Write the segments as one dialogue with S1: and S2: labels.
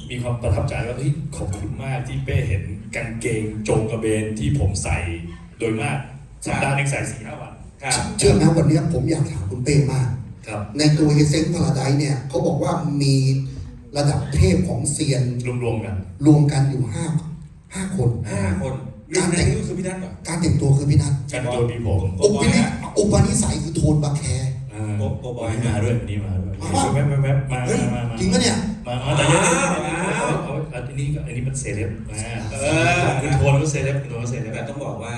S1: มีความประทับใจว่าเฮ้ยขอบคุณมากที่เป้เห็นกางเกงโจงกระเบนที่ผมใส่โดยมากสัปดาห์นึงใส่4-5 วัน
S2: เชื่อไหมวันนี้ผมอยากถามคุณเป้มากในตัวเฮเซ็งพาราไดซ์เนี่ยเขาบอกว่ามีระดับเทพของเซียน
S1: รวม
S2: กันอยู่5 คน
S3: การแต่งตัวคือพี่นัทเหรอ
S2: การแต่งตัวคือพี่นัท
S1: การแต่งตัวมีผม
S2: อุปนิสัยคือโทนบาแค
S1: โบบอยมาด้วยวันนี้มาด้วยแวบมา
S2: จริงปะเนี่ย
S1: มาแต่ยังอันนี้มันเซเลบคุณโทนก็เซเลบคุณโทนก็เซเลบ
S3: แต่ต้องบอกว่า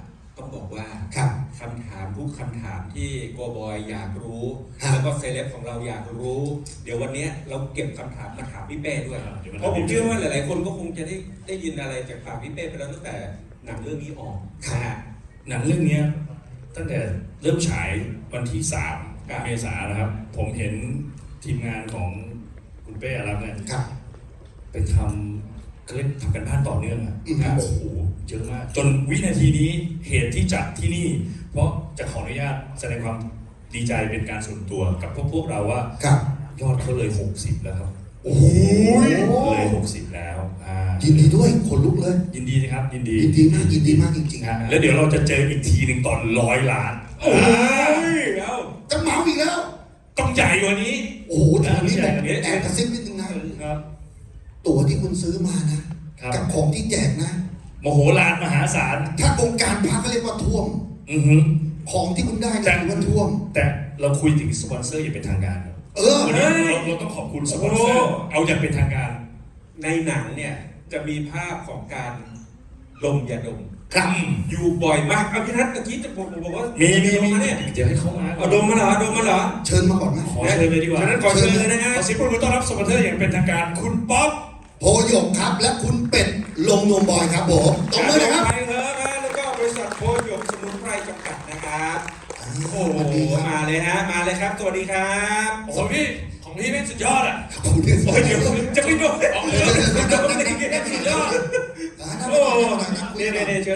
S3: คำถามทุกคำถามที่โกบอยอยากรู้แล้วก็เซเลบของเราอยากรู้เดี๋ยววันนี้เราเก็บคำถามมาถามพี่เป้ด้วยเพราะผมเชื่อว่าหลายๆคนก็คงจะได้ยินอะไรจากปากพี่เป้ไปแล้วตั้งแต่หนังเรื่องนี้ออก
S1: หนังเรื่องนี้ตั้งแต่เริ่มฉายวันที่3 เมษายนนะครับผมเห็นทีมงานของคุณเป้อารักษ์เนี่ยไปทำกันบ้านต่อเนื่องโอ้โหเยอะมากจนวินาทีนี้เหตุที่จัดที่นี่เพราะจะขออนุญาตแสดงความดีใจเป็นการส่วนตัวกับพวกเราว่ายอดเขาเลย60แล้วครับ
S2: โอ้โห
S1: เลย60แล้ว
S2: ยินดีด้วยคนลุกเลย
S1: ยินดีนะครับยินดี
S2: มากจริง
S1: ๆแล้วเดี๋ยวเราจะเจออีกทีหนึ่งตอน100 ล้าน
S3: แล้ว
S2: จะเมาอีกแล้ว
S1: ต้องใหญ่กว่านี้
S2: โอ้โหทีนี้แอบกระซิบนิดนึงนะตั๋วที่คุณซื้อมานะกับของที่แจกนะ
S1: มโหฬารมหาศาล
S2: ถ้าองค์การพระเขาเรียกว่าท่วมของที่คุณได้ถือว่าท่วม
S1: แต่เราคุยถึงสปอนเซอร์อย่างเป็นทางการวันนี้เราต้องขอบคุณสปอนเซอร์เอาอย่างเป็นทางการ
S3: ในหนังเนี่ยจะมีภาพของการดมยาดมอยู่บ่อยมากอภินัทตะกี้จะบอกว่า
S1: มีเนี่ยเดี๋ยวให้เขามา
S3: ดมมาเหรอ
S2: เชิญมาก่อนไหม
S1: ขอเชิญเลยดีกว่า
S3: ฉะนั้นขอเชิญเลยนะฮะ
S1: ขอสิบคนต้อนรับสปอนเซอร์อย่างเป็นทางการคุณป๊อป
S2: โพหยกครับและคุณเป็ดลงนวมบอยครับผมตบมือเลยครับ
S3: ไปเถอะนะแล้วก็บริษัทโพหยกสมุนไพรจำกัดนะครับโอ้โหมาเลยฮะมาเลยครับสวัสดีครับ
S1: โอ้พี่ของพี่เป็นสุดยอดอ่ะ
S2: โอ้ยเดี๋
S3: ยวจะไม่โดนสุดยอดโอ้เนี่ยเชิญ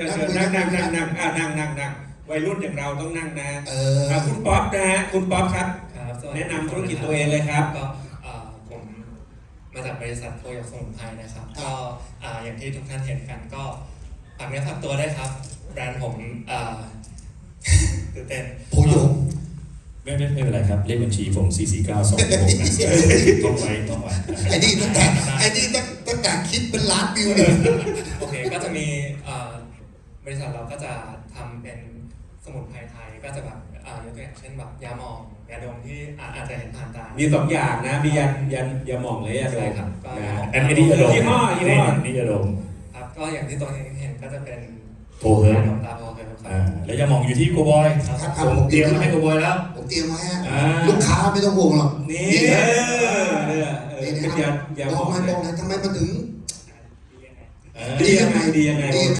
S3: นั่งวัยรุ่นอย่างเราต้องนั่งนะคุณป๊อปนะฮะคุณป๊อปครับแนะนำธุรกิจตัวเองเลยครับ
S4: ก็ผมมาจากบริษัทโพหยกสมุนไพรนะครับก็อย่างที่ทุกท่านเห็นกันก็ฝากเนื้อฝากตัวได้ครับแบรนด์ผมตื่นเต้น
S2: โพหยก
S1: ไม่เป็นไรครับเลขบัญชีผม44926นะต้องไว้
S2: ไอ้นี่ตั้งแต่คิดเป็นล้านวิวเลย
S4: โอเคก็จะมีบริษัทเราก็จะทำเป็นสมุนไพรไทยก็จะแบบยกตัวอย่างเช่นแบบยาหมองยาดมที่อาจจะเห็นผ่านตา
S3: มี2 อย่างนะมียาหมองเลยยาดม
S4: ครับ
S1: อันนี้ยาดม
S3: ยี่ห้
S1: อยาดม
S4: ครับก็อย่างที่ตัวเห็นก็จะเป็น
S1: โพเฮิร์
S4: ตตาโพเฮิร์
S1: แล้วยาหมองอยู่ที่โกบอยผมเตรียมมาให้โกบอยแล้ว
S2: ผมเตรียมมาให้ลูกค้าไม่ต้องห่วงหรอก
S3: นี่
S2: บอกหน่อยทำไมมาถึง
S3: ดียังไง